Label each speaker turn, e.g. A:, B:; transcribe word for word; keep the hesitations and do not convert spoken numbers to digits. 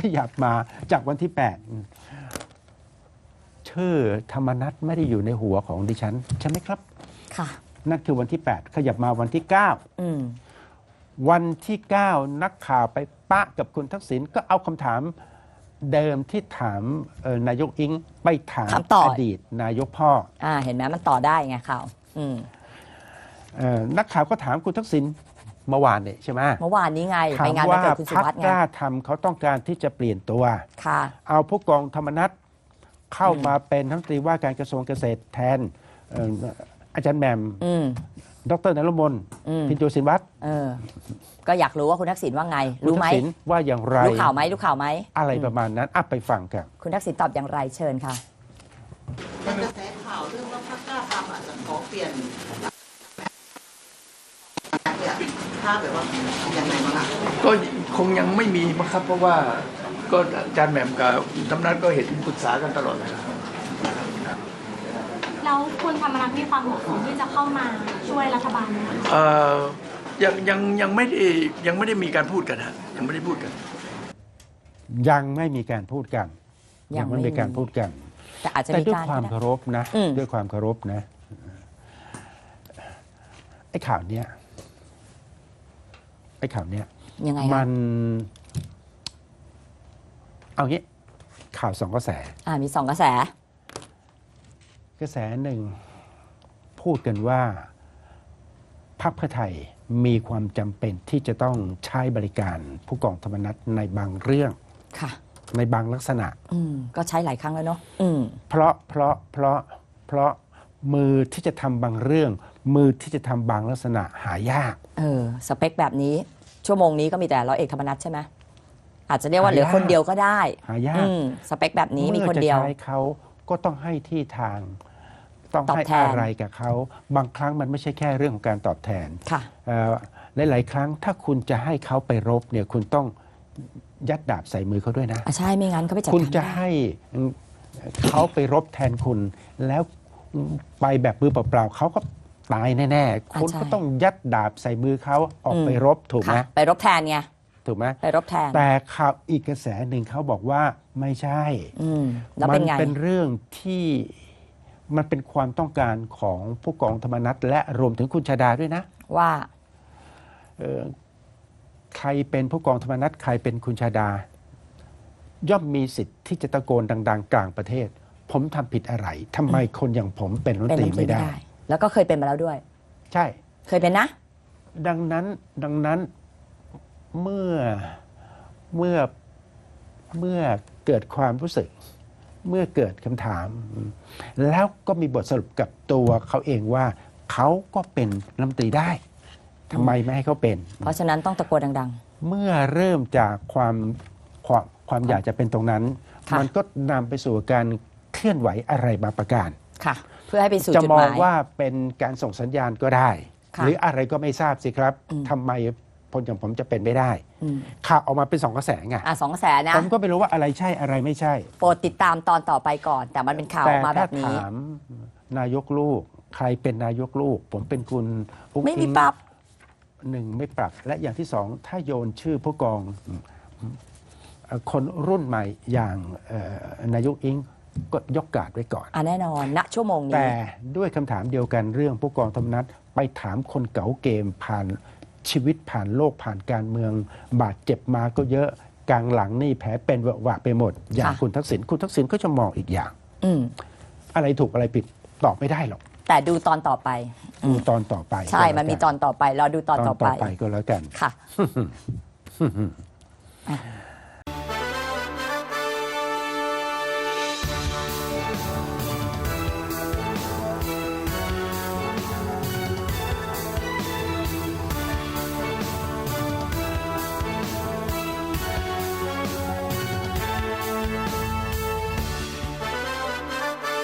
A: ยับมาจากวันที่แปดชื่อธรรมนัสไม่ได้อยู่ในหัวของดิฉันใช่ไหมครับ
B: ค่ะ
A: นั่นคือวันที่แปดขยับมาวันที่เก้า
B: อืม
A: วันที่เก้านักข่าวไปปะกับคุณทักษิณก็เอาคำถามเดิมที่ถามนายกอิงไปถามอดีตนายกพ่อ
B: อ่าเห็นไหมมันต่อได้ไงข่าวอืม
A: นักข่าวก็ถามคุณทักษิณเมื่อวานเนี่ยใช่ไหม
B: เมื่อวานนี้ไง
A: ไป
B: งานวันเกิดคุณสุวัสดิ์ไง
A: กล้าทำเขาต้องการที่จะเปลี่ยนตัว
B: ค่ะ
A: เอาผู้กองธรรมนัสเข้ามาเป็นรัฐมนตรีว่าการกระทรวงเกษตรแทนอาจารย์แหม่มดร.นฤมลพินโยสินวัตร
B: ก็อยากรู้ว่าคุณทักษิณว่าไงรู้ไหม
A: ว่าอย่างไร
B: รู้ข่าวไหมรู้ข่าวไหม
A: อะไรประมาณนั้นอ่ะไปฟังกัน
B: คุณทักษิณตอบอย่างไรเชิญค่ะ
C: เป็นกระแสข่าวเรื่องว่าพรรคกล้าทำอาจจะขอเปลี่ยนเนี่ยถ้าแบบว่าอย่างไรบ้าง
D: ก็คงยังไม่มีมั้งครับเพราะว่าก็อาจารย์แหม่มกับธรรมนัสก็เห็นปรึกษากันตลอดเลยครับ
E: แล้วคุณธรรมนัสมีความเหมาะสมที่จะเข้ามาช่วยรัฐบาลไหมคะ
D: เอ่อยังยังยังไม่ได้ยังไม่ได้มีการพูดกันฮะยังไม่ได้พูดกัน
A: ยังไม่มีการพูดกันยังไม่มีการพูดกัน
B: แต่อาจจะ
A: มีด้วยความเคารพนะด้วยความเคารพนะไอ้ข่าวเนี้ยไอ้ข่าวเนี้ย
B: ยังไง
A: มันเอางี้ข่าวสองกระแส
B: อ่ามีสองกระแส
A: กระแสหนึ่งพูดกันว่าพรรคเพื่อไทยมีความจำเป็นที่จะต้องใช้บริการผู้กองธรรมนัสในบางเรื่อง
B: ค่ะ
A: ในบางลักษณะ
B: อืมก็ใช้หลายครั้งแล้วเนาะ
A: เพราะเพราะเพราะเพราะมือที่จะทำบางเรื่องมือที่จะทำบางลักษณะหายาก
B: เออสเปคแบบนี้ชั่วโมงนี้ก็มีแต่ร้อยเอกธรรมนัสใช่ไหมอาจจะเรียกว่าเหลือคนเดียวก็ได้
A: หายาก
B: สเปคแบบนี้มีคนเดียว
A: เมื่อจะใช้เขาก็ต้องให้ที่ทางต้องให้อะไรกับเขาบางครั้งมันไม่ใช่แค่เรื่องของการตอบแทน
B: ค่ะ
A: หลายๆครั้งถ้าคุณจะให้เขาไปรบเนี่ยคุณต้องยัดดาบใส่มือเขาด้วยนะ
B: ใช่ไม่งั้นเขาไปจัดการ
A: คุณจะให้เขาไปรบแทนคุณแล้วไปแบบมือเปล่าๆเขาก็ตายแน่ๆคุณก็ต้องยัดดาบใส่มือเขาออกไปรบถูกไหม
B: ไปรบแทนไง
A: ถูกไหม
B: ไปรบแทน
A: แต่ข่าวอีกกระแสหนึ่งเขาบอกว่าไม่ใช่
B: มัน
A: เป็นเรื่องที่มันเป็นความต้องการของผู้กองธรรมนัสและรวมถึงคุณชาดาด้วยนะ
B: ว่า
A: ใครเป็นผู้กองธรรมนัสใครเป็นคุณชาดาย่อมมีสิทธิ์ที่จะตะโกนดังๆกลางประเทศผมทำผิดอะไรทำไมคนอย่างผมเป็นรัฐมนตรีไม่ได้
B: แล้วก็เคยเป็นมาแล้วด้วย
A: ใช่
B: เคยเป็นนะ
A: ดังนั้นดังนั้นเมื่อเมื่อเมื่อเกิดความรู้สึกเมื่อเกิดคำถามแล้วก็มีบทสรุปกับตัวเขาเองว่าเขาก็เป็นรัฐมนตรีได้ทำไมไม่ให้เขาเป็น
B: เพราะฉะนั้นต้องตะโกนดัง
A: ๆเมื่อเริ่มจากความความความอยากจะเป็นตรงนั้นมันก็นำไปสู่การเคลื่อนไหวอะไรบางประการ
B: ค่ะเพื่อให้ไปสู่
A: จุดหมายจะมอง
B: ว่า
A: เป็นการส่งสัญญาณก็ได้หรืออะไรก็ไม่ทราบสิครับทำไมคนอย่างผมจะเป็นไม่ได้ข่าวออกมาเป็นสองกระแสไง
B: อ่ะสองกระแสนะ
A: ผมก็ไม่รู้ว่าอะไรใช่อะไรไม่ใช่
B: โปรดติดตามตอนต่อไปก่อนแต่มันเป็นข่าวออกมาแบบนี้
A: แต่ถ้าถามนายกลูกใครเป็นนายกลูกผมเป็นคุณ
B: ไม่มีปรับ
A: หนึ่งไม่ปรับและอย่างที่สองถ้าโยนชื่อผู้กองคนรุ่นใหม่อย่างนายกอิงก็ยกการ์ดไว้ก่อน
B: อ่ะแน่นอนณชั่วโมงนี้
A: แต่ด้วยคำถามเดียวกันเรื่องผู้กองธรรมนัสไปถามคนเก๋าเกมผ่านชีวิตผ่านโลกผ่านการเมืองบาดเจ็บมาก็เยอะกลางหลังนี่แผลเป็นเวอะหวะไปหมดอย่างคุณทักษิณคุณทักษิณก็จะมองอีกอย่างอะไรถูกอะไรผิดตอบไม่ได้หรอก
B: แต่ดูตอนต่อไป
A: ดูตอนต่อไป
B: ใช่มันมีตอนต่อไปรอดูตอนต่อไป
A: ก็แล้วกัน
B: ค่ะ